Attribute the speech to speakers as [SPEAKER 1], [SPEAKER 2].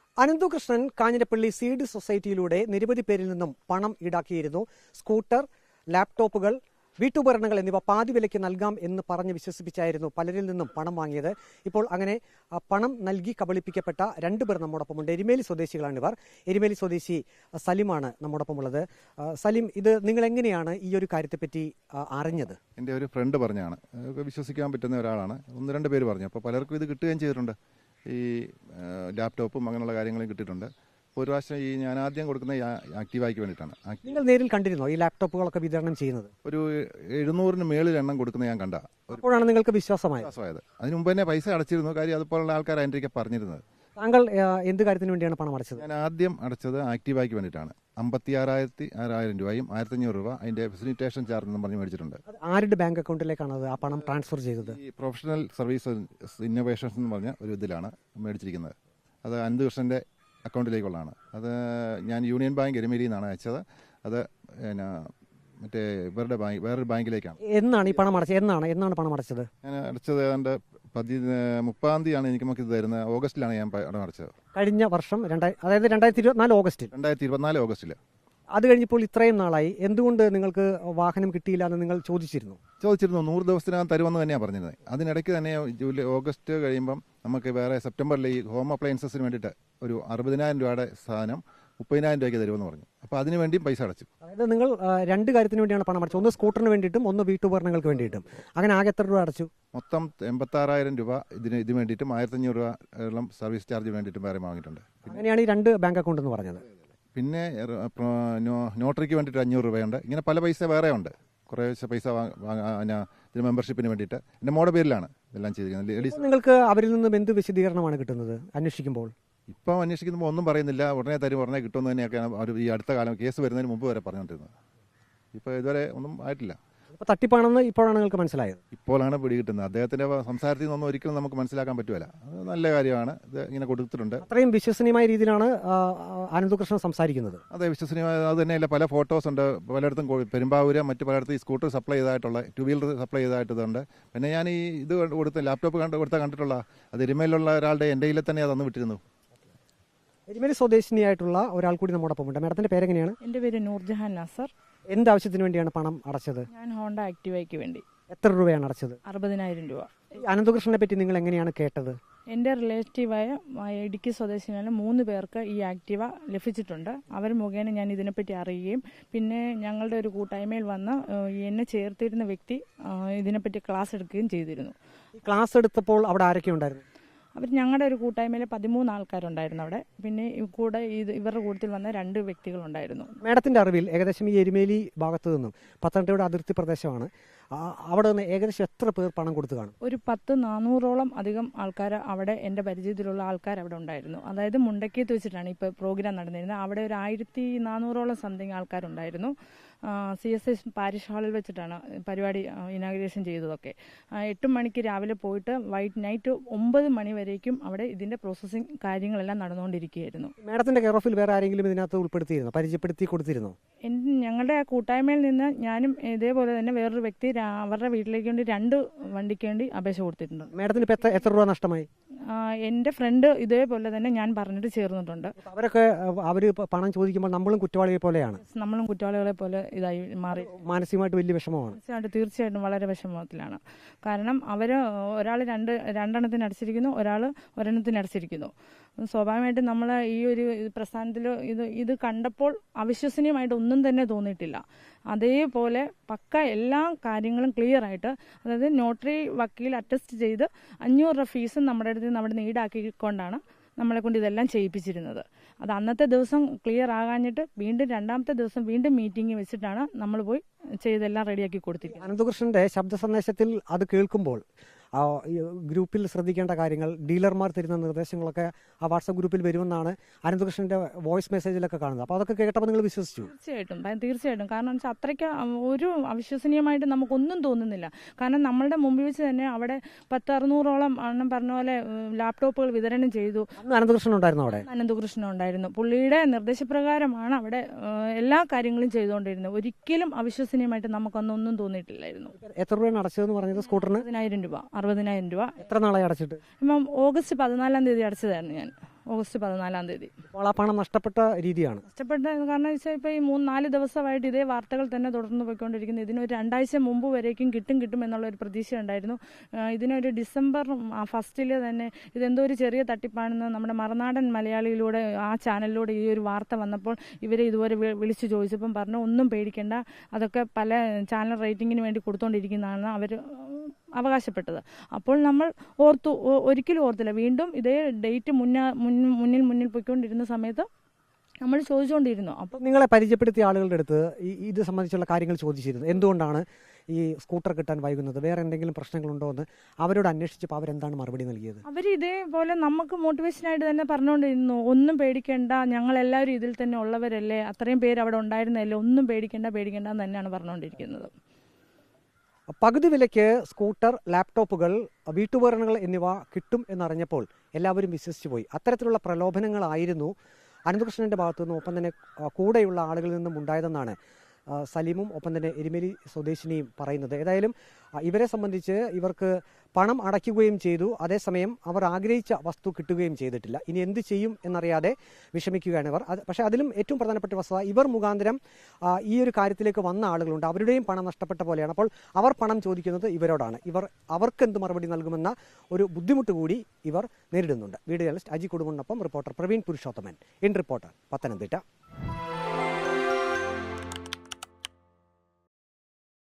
[SPEAKER 1] Ananthakrishnan Kanjirappally seed സൊസൈറ്റിയിലൂടെ നിരവധി പേരിൽ നിന്നും പണം ഈടാക്കിയിരുന്നു. സ്കൂട്ടർ, ലാപ്ടോപ്പുകൾ, വീട്ടുപകരണങ്ങൾ എന്നിവ പാതി വിലയ്ക്ക് നൽകാം എന്ന് പറഞ്ഞ് വിശ്വസിപ്പിച്ചായിരുന്നു പലരിൽ നിന്നും പണം വാങ്ങിയത്. ഇപ്പോൾ അങ്ങനെ പണം നൽകി കബളിപ്പിക്കപ്പെട്ട രണ്ടുപേർ നമ്മോടൊപ്പമുണ്ട്. എരുമേലി സ്വദേശികളാണിവർ. എരുമേലി സ്വദേശി സലിമാണ് നമ്മോടൊപ്പമുള്ളത്. സലിം, ഇത് നിങ്ങൾ എങ്ങനെയാണ് ഈ ഒരു കാര്യത്തെപ്പറ്റി അറിഞ്ഞത്?
[SPEAKER 2] എൻ്റെ ഒരു ഫ്രണ്ട് പറഞ്ഞാണ്, വിശ്വസിക്കാൻ പറ്റുന്ന ഒരാളാണ്. ഒന്ന് രണ്ട് പേര് പറഞ്ഞു. അപ്പോൾ പലർക്കും ഇത് കിട്ടുകയും ചെയ്തിട്ടുണ്ട്. ഈ ലാപ്ടോപ്പും അങ്ങനെയുള്ള കാര്യങ്ങളും കിട്ടിയിട്ടുണ്ട്. ഒരു പ്രാവശ്യം ഞാൻ ആദ്യം കൊടുക്കുന്ന ആക്റ്റീവായ്ക്ക് വേണ്ടിയിട്ടാണ്.
[SPEAKER 1] നിങ്ങൾ നേരിൽ കണ്ടിരുന്നോ ഈ ലാപ്ടോപ്പുകളൊക്കെ വിതരണം ചെയ്യുന്നത്?
[SPEAKER 2] ഒരു 700-ന് മേളിൽ എണ്ണം കൊടുക്കുന്ന ഞാൻ കണ്ട.
[SPEAKER 1] അപ്പോഴാണ് നിങ്ങൾക്ക് വിശ്വാസമായത്?
[SPEAKER 2] അതിന് മുമ്പ് തന്നെ പൈസ അടച്ചിരുന്നു. കാര്യം അതുപോലുള്ള ആൾക്കാർ അതിൻ്റെ പറഞ്ഞിരുന്നത്.
[SPEAKER 1] താങ്കൾ എന്ത് കാര്യത്തിന് വേണ്ടിയാണ് പണം അടച്ചത്?
[SPEAKER 2] ഞാൻ ആദ്യം അടച്ചത് ആക്റ്റീവായ്ക്ക് വേണ്ടിയിട്ടാണ്. 56,000 രൂപയും 1,500 രൂപ അതിൻ്റെ ഫെസിലിറ്റേഷൻ ചാർജ് എന്നും പറഞ്ഞ് മേടിച്ചിട്ടുണ്ട്.
[SPEAKER 1] ആരുടെ ബാങ്ക് അക്കൗണ്ടിലേക്കാണ് ആ പണം ട്രാൻസ്ഫർ ചെയ്തത്?
[SPEAKER 2] ഈ പ്രൊഫഷണൽ സർവീസ് ഇന്നോവേഷൻസ് എന്ന് പറഞ്ഞ ഒരു ഇതിലാണ് മേടിച്ചിരിക്കുന്നത്. അത് അനന്തകൃഷ്ണൻ്റെ അക്കൗണ്ടിലേക്കുള്ളതാണ്. അത് ഞാൻ യൂണിയൻ ബാങ്ക് എരുമേലിയിൽ നിന്നാണ് അയച്ചത്. അത് പിന്നെ മറ്റേ ഇവരുടെ ബാങ്ക്, വേറൊരു ബാങ്കിലേക്കാണ്.
[SPEAKER 1] എന്നാണ് ഈ പണം അടച്ചത്? എന്നാണ് പണം അടച്ചത്?
[SPEAKER 2] ഞാൻ അടച്ചത് ഏതാണ്ട് 30-ാം തീയതിയാണ് നമുക്ക് ഇത് തരുന്നത്. ഓഗസ്റ്റിലാണ് ഞാൻ പണം അടച്ചത്.
[SPEAKER 1] കഴിഞ്ഞ വർഷം അതായത് 2024 ഓഗസ്റ്റിൽ.
[SPEAKER 2] 2024 ഓഗസ്റ്റിൽ.
[SPEAKER 1] അത് കഴിഞ്ഞപ്പോൾ ഇത്രയും നാളായി എന്തുകൊണ്ട് നിങ്ങൾക്ക് വാഹനം കിട്ടിയില്ല എന്ന് നിങ്ങൾ ചോദിച്ചിരുന്നു?
[SPEAKER 2] 100 ദിവസത്തിനകം തരുമെന്ന് തന്നെയാണ് പറഞ്ഞിരുന്നത്. അതിനിടയ്ക്ക് തന്നെ ഓഗസ്റ്റ് കഴിയുമ്പം നമുക്ക് വേറെ സെപ്റ്റംബറിൽ ഈ ഹോം അപ്ലയൻസസിന് വേണ്ടിയിട്ട് ഒരു 60,000 രൂപയുടെ സാധനം 30,000 രൂപയ്ക്ക് തരുമെന്ന് പറഞ്ഞു. അപ്പോൾ അതിന് വേണ്ടിയും പൈസ അടച്ചു. അതായത്
[SPEAKER 1] നിങ്ങൾ രണ്ട് കാര്യത്തിന് വേണ്ടിയാണ് പണം അടച്ചത്. ഒന്ന് സ്കൂട്ടറിന് വേണ്ടിയിട്ടും ഒന്ന് വീട്ടുപകരണങ്ങൾക്ക് വേണ്ടിയിട്ടും. അങ്ങനെ ആകെ എത്ര രൂപ അടച്ചു?
[SPEAKER 2] മൊത്തം 86,000 രൂപ ഇത് വേണ്ടിയിട്ടും 1,500 രൂപ സർവീസ് ചാർജ് വേണ്ടിയിട്ടും വേറെ വാങ്ങിയിട്ടുണ്ട്.
[SPEAKER 1] അങ്ങനെയാണ് ഈ രണ്ട് ബാങ്ക് അക്കൗണ്ട് എന്ന് പറഞ്ഞത്.
[SPEAKER 2] പിന്നെ നോട്ടറിക്ക് വേണ്ടിയിട്ട് 500 രൂപയുണ്ട്. ഇങ്ങനെ പല പൈസ വേറെ ഉണ്ട്. കുറേ പൈസ ഇതിന് മെമ്പർഷിപ്പിന് വേണ്ടിയിട്ട് എൻ്റെ മോടെ പേരിലാണ് ഇതെല്ലാം ചെയ്തിരിക്കുന്നത്.
[SPEAKER 1] നിങ്ങൾക്ക് അവരിൽ നിന്നും എന്ത് വിശദീകരണമാണ് കിട്ടുന്നത് അന്വേഷിക്കുമ്പോൾ?
[SPEAKER 2] ഇപ്പം അന്വേഷിക്കുമ്പോൾ ഒന്നും പറയുന്നില്ല. ഉടനെ കിട്ടുമെന്ന് തന്നെയൊക്കെയാണ് അവർ ഈ അടുത്ത കാലം കേസ് വരുന്നതിന് മുമ്പ് വരെ പറഞ്ഞുകൊണ്ടിരുന്നത്. ഇപ്പോൾ ഇതുവരെ ഒന്നും ആയിട്ടില്ല.
[SPEAKER 1] അപ്പോൾ തട്ടിപ്പാണെന്ന് ഇപ്പോഴാണ് നിങ്ങൾക്ക് മനസ്സിലായത്?
[SPEAKER 2] ഇപ്പോഴാണ് പിടികിട്ടുന്നത്. അദ്ദേഹത്തിൻ്റെ സംസാരത്തിൽ നിന്നൊന്നും ഒരിക്കലും നമുക്ക് മനസ്സിലാക്കാൻ പറ്റുമല്ല. അത് നല്ല കാര്യമാണ്. ഇത് ഇങ്ങനെ കൊടുത്തിട്ടുണ്ട്.
[SPEAKER 1] അത്രയും വിശ്വസനീയമായ രീതിയിലാണ് അനന്തകൃഷ്ണൻ സംസാരിക്കുന്നത്.
[SPEAKER 2] അതെ, വിശ്വസനീയമായ. അത് തന്നെയല്ല, പല ഫോട്ടോസ് ഉണ്ട്. പലയിടത്തും പെരുമ്പാവൂര് മറ്റു പലയിടത്തും ഈ സ്കൂട്ടർ സപ്ലൈ ചെയ്തതായിട്ടുള്ള 2 വീലർ സപ്ലൈ ചെയ്തതായിട്ടുണ്ട്. പിന്നെ ഞാൻ ഈ ഇത് കൊടുത്ത ലാപ്ടോപ്പ് കണ്ടിട്ടുള്ള അത് എരുമേലിലുള്ള ഒരാളുടെ എൻ്റെ കയ്യിൽ തന്നെ അത് വിട്ടിരുന്നു.
[SPEAKER 1] എരുമേലി സ്വദേശിനിയായിട്ടുള്ള ഒരാൾ കൂടി നമ്മോടൊപ്പം ഉണ്ട്. മാഡത്തിന്റെ പേരെങ്ങനെയാണ്?
[SPEAKER 3] എൻ്റെ പേര് നൂർജഹാൻ നാസർ.
[SPEAKER 1] എന്താവശ്യത്തിന് വേണ്ടിയാണ് പണം അടച്ചത്?
[SPEAKER 3] ഞാൻ ഹോണ്ട ആക്റ്റീവയ്ക്ക് വേണ്ടി.
[SPEAKER 1] എത്ര രൂപയാണ് അടച്ചത്?
[SPEAKER 3] 60,000 രൂപ.
[SPEAKER 1] അനന്തകൃഷ്ണനെ പറ്റി നിങ്ങൾ എങ്ങനെയാണ് കേട്ടത്?
[SPEAKER 3] എൻ്റെ റിലേറ്റീവായ ഇടുക്കി സ്വദേശിനായ 3 പേർക്ക് ഈ ആക്റ്റീവ ലഭിച്ചിട്ടുണ്ട്. അവർ മുഖേന ഞാൻ ഇതിനെപ്പറ്റി അറിയുകയും പിന്നെ ഞങ്ങളുടെ ഒരു കൂട്ടായ്മയിൽ വന്ന് എന്നെ ചേർത്തിരുന്ന വ്യക്തി ഇതിനെപ്പറ്റി ക്ലാസ് എടുക്കുകയും ചെയ്തിരുന്നു.
[SPEAKER 1] ക്ലാസ് എടുത്തപ്പോൾ അവിടെ ആരൊക്കെ ഉണ്ടായിരുന്നു?
[SPEAKER 3] അവർ ഞങ്ങളുടെ ഒരു കൂട്ടായ്മയിൽ 13 ആൾക്കാരുണ്ടായിരുന്നു അവിടെ. പിന്നെ കൂടെ ഇവരുടെ കൂട്ടത്തിൽ വന്ന 2 വ്യക്തികളുണ്ടായിരുന്നു.
[SPEAKER 1] മേഡത്തിന്റെ അറിവിൽ ഏകദേശം ഈ എരുമേലി ഭാഗത്തു നിന്നും പത്തനംതിട്ടയുടെ അതിർത്തി പ്രദേശമാണ്, അവിടെ നിന്ന് ഏകദേശം എത്ര പേർ പണം കൊടുത്തു കാണും?
[SPEAKER 3] ഒരു 400-ഓളം അധികം ആൾക്കാർ അവിടെ, എൻ്റെ പരിചയത്തിലുള്ള ആൾക്കാർ അവിടെ ഉണ്ടായിരുന്നു. അതായത് മുണ്ടക്കയത്ത് വെച്ചിട്ടാണ് ഇപ്പോൾ പ്രോഗ്രാം നടന്നിരുന്നത്. അവിടെ ഒരു 1,400-ഓളം സംതിങ് ആൾക്കാരുണ്ടായിരുന്നു. CSI പാരിഷ് ഹാളിൽ വെച്ചിട്ടാണ് പരിപാടി ഇനാഗുറേഷൻ ചെയ്തതൊക്കെ. 8 മണിക്ക് രാവിലെ പോയിട്ട് നൈറ്റ് 9 മണി വരേക്കും അവിടെ ഇതിൻ്റെ പ്രോസസ്സിങ് കാര്യങ്ങളെല്ലാം നടന്നുകൊണ്ടിരിക്കുകയായിരുന്നു.
[SPEAKER 1] മേഡത്തിന്റെ കെയർ ഓഫിൽ വേറെ ആരെങ്കിലും ഇതിനകത്ത് ഉൾപ്പെടുത്തിയിരുന്നോ, പരിചയപ്പെടുത്തി കൊടുത്തിരുന്നോ?
[SPEAKER 3] ഞങ്ങളുടെ ആ കൂട്ടായ്മയിൽ നിന്ന് ഞാനും ഇതേപോലെ തന്നെ വേറൊരു വ്യക്തി അവരുടെ വീട്ടിലേക്ക് വേണ്ടി 2 വണ്ടിക്ക് വേണ്ടി അപേക്ഷ കൊടുത്തിട്ടുണ്ട്.
[SPEAKER 1] മേഡത്തിന് ഇപ്പോൾ എത്ര രൂപ നഷ്ടമായി?
[SPEAKER 3] എൻ്റെ ഫ്രണ്ട് ഇതേപോലെ തന്നെ ഞാൻ പറഞ്ഞിട്ട് ചേർന്നിട്ടുണ്ട്.
[SPEAKER 1] അവരൊക്കെ പണം ചോദിക്കുമ്പോൾ നമ്മളും കുറ്റവാളികളെ പോലെയാണ്.
[SPEAKER 3] നമ്മളും കുറ്റവാളികളെ പോലെ ഇതായി മാറി.
[SPEAKER 1] മാനസികമായിട്ട് വലിയ വിഷമമാണ്.
[SPEAKER 3] തീർച്ചയായിട്ടും വളരെ വിഷമത്തിലാണ്. കാരണം അവർ ഒരാൾ രണ്ടെണ്ണത്തിന് അടച്ചിരിക്കുന്നു, ഒരാൾ ഒരെണ്ണത്തിന് അടച്ചിരിക്കുന്നു. സ്വാഭാവികമായിട്ടും നമ്മൾ ഈ ഒരു പ്രസ്ഥാനത്തിൽ ഇത് കണ്ടപ്പോൾ അവിശ്വസനീയമായിട്ട് ഒന്നും തന്നെ തോന്നിയിട്ടില്ല. അതേപോലെ പക്ക എല്ലാ കാര്യങ്ങളും ക്ലിയർ ആയിട്ട്, അതായത് നോട്ടറി വക്കീൽ അറ്റസ്റ്റ് ചെയ്ത് 500 രൂപ ഫീസും നമ്മുടെ അടുത്ത് നിന്ന് അവിടെ നിന്ന് ഈടാക്കിക്കൊണ്ടാണ് നമ്മളെ കൊണ്ട് ഇതെല്ലാം ചെയ്യിപ്പിച്ചിരുന്നത്. അത് അന്നത്തെ ദിവസം ക്ലിയർ ആകാഞ്ഞിട്ട് വീണ്ടും 2ാമത്തെ ദിവസം വീണ്ടും മീറ്റിംഗ് വെച്ചിട്ടാണ് നമ്മൾ പോയി ചെയ്തെല്ലാം റെഡിയാക്കി കൊടുത്തിരിക്കുന്നത്.
[SPEAKER 1] അനന്തകൃഷ്ണന്റെ ശബ്ദ സന്ദേശത്തിൽ അത് കേൾക്കുമ്പോൾ ഗ്രൂപ്പിൽ ശ്രദ്ധിക്കേണ്ട കാര്യങ്ങൾ, ഡീലർമാർ തരുന്ന നിർദ്ദേശങ്ങളൊക്കെ ആ വാട്സാപ്പ് ഗ്രൂപ്പിൽ വരുമെന്നാണ് അനന്തകൃഷ്ണന്റെ വോയിസ് മെസ്സേജിലൊക്കെ കാണുന്നത്. അപ്പോൾ അതൊക്കെ കേട്ടപ്പോൾ നിങ്ങൾ വിശ്വസിച്ചു?
[SPEAKER 3] തീർച്ചയായിട്ടും. കാരണം വെച്ചാൽ അത്രയ്ക്ക് ഒരു അവിശ്വസനീയമായിട്ട് നമുക്കൊന്നും തോന്നുന്നില്ല. കാരണം നമ്മളുടെ മുമ്പിൽ വെച്ച് തന്നെ അവിടെ 600-ഓളം അണ്ണം പറഞ്ഞ പോലെ ലാപ്ടോപ്പുകൾ വിതരണം ചെയ്തു.
[SPEAKER 1] അനന്തകൃഷ്ണൻ ഉണ്ടായിരുന്നു അവിടെ?
[SPEAKER 3] അനന്തകൃഷ്ണൻ ഉണ്ടായിരുന്നു. പുള്ളിയുടെ നിർദ്ദേശപ്രകാരമാണ് അവിടെ എല്ലാ കാര്യങ്ങളും ചെയ്തുകൊണ്ടിരുന്നത്. ഒരിക്കലും അവിശ്വസനീയമായിട്ട് നമുക്കൊന്നും തോന്നിയിട്ടില്ലായിരുന്നു.
[SPEAKER 1] എത്ര രൂപയാണ് അടച്ചതെന്ന് പറഞ്ഞത് സ്കൂട്ടറിന്?
[SPEAKER 3] 60,000 രൂപ. 60,000 രൂപ.
[SPEAKER 1] എത്ര നാളായി അടച്ചിട്ട്?
[SPEAKER 3] ഇപ്പം ഓഗസ്റ്റ് 14-ാം തീയതി അടച്ചതായിരുന്നു ഞാൻ. ഓഗസ്റ്റ് 14-ാം തീയതി.
[SPEAKER 1] അപ്പോൾ ആ പണം നഷ്ടപ്പെട്ട രീതിയാണ്.
[SPEAKER 3] നഷ്ടപ്പെട്ട കാരണം വെച്ചാൽ ഇപ്പോൾ ഈ 3-4 ദിവസമായിട്ട് ഇതേ വാർത്തകൾ തന്നെ തുടർന്ന് പോയിക്കൊണ്ടിരിക്കുന്നു. ഇതിനൊരു 2 ആഴ്ച മുമ്പ് വരേക്കും കിട്ടും എന്നുള്ളൊരു പ്രതീക്ഷ ഉണ്ടായിരുന്നു. ഇതിനൊരു ഡിസംബർ 1 തന്നെ ഇതെന്തോ ഒരു ചെറിയ തട്ടിപ്പാണെന്ന് നമ്മുടെ മറുനാടൻ മലയാളിയിലൂടെ ആ ചാനലിലൂടെ ഈ ഒരു വാർത്ത വന്നപ്പോൾ ഇവരെ ഇതുവരെ വിളിച്ചു ചോദിച്ചപ്പം പറഞ്ഞു ഒന്നും പേടിക്കേണ്ട, അതൊക്കെ പല ചാനൽ റേറ്റിങ്ങിന് വേണ്ടി കൊടുത്തുകൊണ്ടിരിക്കുന്നതാണ് അവർ അവകാശപ്പെട്ടത്. അപ്പോൾ നമ്മൾ ഒരിക്കലും ഓർത്തില്ല. വീണ്ടും ഇതേ ഡേറ്റ് മുന്നിൽ പോയിക്കൊണ്ടിരുന്ന സമയത്ത് നമ്മൾ ചോദിച്ചുകൊണ്ടിരുന്നു.
[SPEAKER 1] അപ്പോൾ നിങ്ങളെ പരിചയപ്പെടുത്തിയ ആളുകളുടെ അടുത്ത് ഇത് സംബന്ധിച്ചുള്ള കാര്യങ്ങൾ ചോദിച്ചിരുന്നു. എന്തുകൊണ്ടാണ് ഈ സ്കൂട്ടർ കിട്ടാൻ വൈകുന്നത്, വേറെ എന്തെങ്കിലും പ്രശ്നങ്ങളുണ്ടോ എന്ന് അവരോട് അന്വേഷിച്ചപ്പോൾ അവരെന്താണ് മറുപടി നൽകിയത്?
[SPEAKER 3] അവർ ഇതേപോലെ നമുക്ക് മോട്ടിവേഷനായിട്ട് തന്നെ പറഞ്ഞുകൊണ്ടിരുന്നു, ഒന്നും പേടിക്കേണ്ട, ഞങ്ങളെല്ലാവരും ഇതിൽ തന്നെ ഉള്ളവരല്ലേ, അത്രയും പേര് അവിടെ ഉണ്ടായിരുന്നല്ലേ, ഒന്നും പേടിക്കേണ്ട എന്ന് തന്നെയാണ് പറഞ്ഞുകൊണ്ടിരിക്കുന്നത്.
[SPEAKER 1] പകുതി വിലയ്ക്ക് സ്കൂട്ടർ, ലാപ്ടോപ്പുകൾ, വീട്ടുപകരണങ്ങൾ എന്നിവ കിട്ടും എന്നറിഞ്ഞപ്പോൾ എല്ലാവരും വിശ്വസിച്ചു പോയി. അത്തരത്തിലുള്ള പ്രലോഭനങ്ങളായിരുന്നു അനന്തകൃഷ്ണന്റെ ഭാഗത്തു നിന്നും ഒപ്പം തന്നെ കൂടെയുള്ള ആളുകളിൽ നിന്നും ഉണ്ടായതെന്നാണ് സലീമും ഒപ്പം തന്നെ എരുമേലി സ്വദേശിനിയും പറയുന്നത്. ഏതായാലും ഇവരെ സംബന്ധിച്ച് ഇവർക്ക് പണം അടയ്ക്കുകയും ചെയ്തു, അതേസമയം അവർ ആഗ്രഹിച്ച വസ്തു കിട്ടുകയും ചെയ്തിട്ടില്ല. ഇനി എന്ത് ചെയ്യും എന്നറിയാതെ വിഷമിക്കുകയാണ് ഇവർ. പക്ഷേ അതിലും ഏറ്റവും പ്രധാനപ്പെട്ട വസ്തുത, ഇവർ മുഖാന്തരം ഈ ഒരു കാര്യത്തിലേക്ക് വന്ന ആളുകളുണ്ട്, അവരുടെയും പണം നഷ്ടപ്പെട്ട പോലെയാണ്. അപ്പോൾ അവർ പണം ചോദിക്കുന്നത് ഇവരോടാണ്. അവർക്ക് എന്ത് മറുപടി നൽകുമെന്ന ഒരു ബുദ്ധിമുട്ട് കൂടി ഇവർ നേരിടുന്നുണ്ട്. വീഡിയോ ജേർണലിസ്റ്റ് അജി കുടുംബനൊപ്പം reporter Praveen Purushothaman, in reporter, Pathanamthitta.